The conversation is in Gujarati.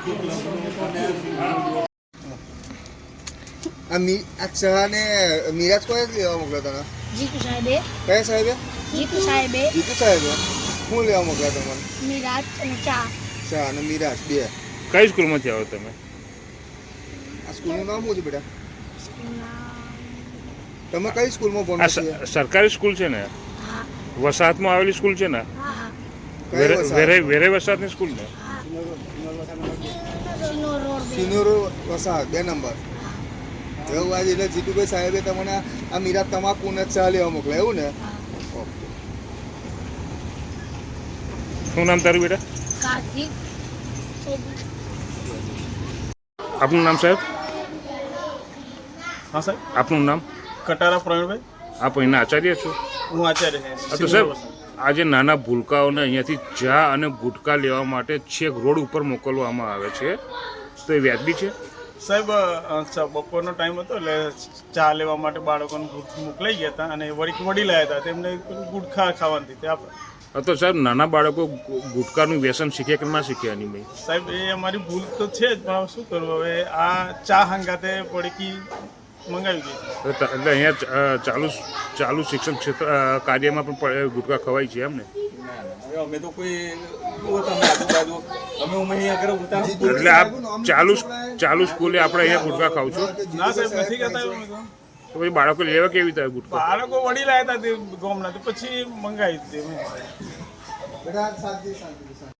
અચ્છા ને મિરાજ કોઈ લેવા મોકલ્યો તને? જીતુ સાહેબે. કયા સાહેબે? જીતુ સાહેબે. જીતુ સાહેબે શું લેવા મોકલ્યા તમને? મિરાજ અને ચા. ચા અને મિરાજ બે. કઈ સ્કૂલમાંથી આવો તમે? આ સ્કૂલનું નામ શું છે બેટા? તમે કઈ સ્કૂલમાં ભણો છો? સરકારી સ્કૂલ છે ને? હા. વસાહતમાં આવેલી સ્કૂલ છે ને? હા. વેરે વસાહતની સ્કૂલ ને? સિનોર વસાહત 2 નંબર. એવું આજે એટલે જીતુભાઈ સાહેબે તમને આ મીરા તમાકુ ને ચા લેવા મોકલા એવું ને? શું નામ તારું બેટા? કાર્તિક. આપનું નામ સાહેબ? હા સાહેબ. આપનું નામ? કટારા પ્રવીણભાઈ. આપ અહીંના આચાર્ય છો? હું આચાર્ય છું. તો સાહેબ આજે નાના ભૂલકાઓને અહીંયાથી ચા અને ગુટકા લેવા માટે છેક રોડ ઉપર મોકલવામાં આવે છે, તો એ વ્યાજબી છે? સાહેબ બપોરનો ટાઈમ હતો એટલે ચા લેવા માટે બાળકોને મોકલાઈ ગયા હતા અને વડીલ આવ્યા હતા તેમને ગુટખા ખાવાની હતી આપણે. તો સાહેબ નાના બાળકો ગુટકાનું વ્યસન શીખે કે ના શીખે આની ભાઈ? સાહેબ એ અમારી ભૂલ તો છે જ, પણ શું કરવું હવે, આ ચા હંગાતે પડીકી મંગાવી ગઈ. એટલે અહીંયા ચાલુ શિક્ષણ ક્ષેત્ર કાર્યમાં પણ ગુટકા ખવાય છે એમ ને? અમે તો કોઈ આજુબાજુ અમે એટલે આપ ચાલુ સ્કૂલે આપણે અહીંયા ગુટકા ખાવ છો? ના સાહેબ નથી કહેતા એવું. તો પછી બાળકો લેવા કેવી રીતે ગુટકા? બાળકો વડીલ આવ્યા હતા તે ગામના, તો પછી મંગાવી દીધી.